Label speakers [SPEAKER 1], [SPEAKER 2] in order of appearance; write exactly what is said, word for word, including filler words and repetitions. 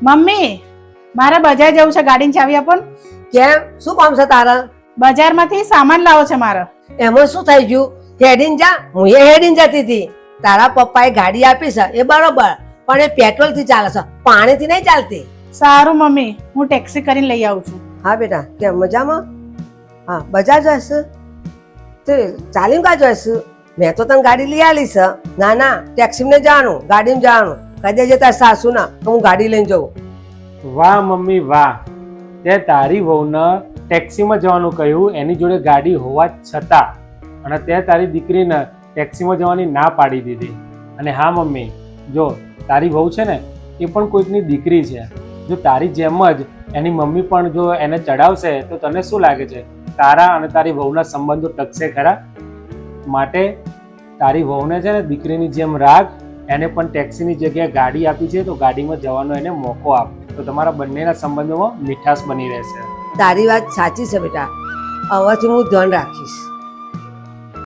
[SPEAKER 1] Mummy મારે બજાર જવું છે, ગાડીની ચાવી આપો ને.
[SPEAKER 2] કેમ, શું કામ છે તારા?
[SPEAKER 1] બજારમાંથી સામાન લાવો છે મારે.
[SPEAKER 2] એમાં શું થઈ ગયું? હેડીને જા, હું એ હેડીને જતી હતી. તારા પપ્પાએ ગાડી આપી છે એ બરોબર, પણ એ પેટ્રોલ થી ચાલે છે, પાણી થી નહીં ચાલતી.
[SPEAKER 1] સારું મમ્મી, હું ટેક્સી કરીને લઈ આવું છું.
[SPEAKER 2] હા બેટા, કેમ મજામાં? હા, બજાર જઈશ તે ચાલીને કા જઈશ? મેં તો તને ગાડી લઈ આલી છે. ના ના, ટેક્સીમાં જવાનું, ગાડીમાં જવાનું. કહી દેજે તાર સાસુ ના હું ગાડી લઈને જઉં.
[SPEAKER 3] વાહ મમ્મી વાહ, તે તારી વહુને ટેક્સીમાં જવાનું કહ્યું એની જોડે ગાડી હોવા છતાં, અને તે તારી દીકરીને ટેક્સીમાં જવાની ના પાડી દીધી. અને હા મમ્મી, જો તારી વહુ છે ને એ પણ કોઈકની દીકરી છે. જો તારી જેમ જ એની મમ્મી પણ જો એને ચડાવશે તો તને શું લાગે છે તારા અને તારી વહુના સંબંધો ટકશે ખરા? માટે તારી વહુને છે ને દીકરીની જેમ રાખ. એને પણ ટેક્સીની જગ્યાએ ગાડી આપી છે તો ગાડીમાં જવાનો એને મોકો આપ, તો તમારા બંનેના સંબંધોમાં મીઠાશ બની રહેશે.
[SPEAKER 2] તારી વાત સાચી છે બેટા, હવેથી હું ધ્યાન રાખીશ.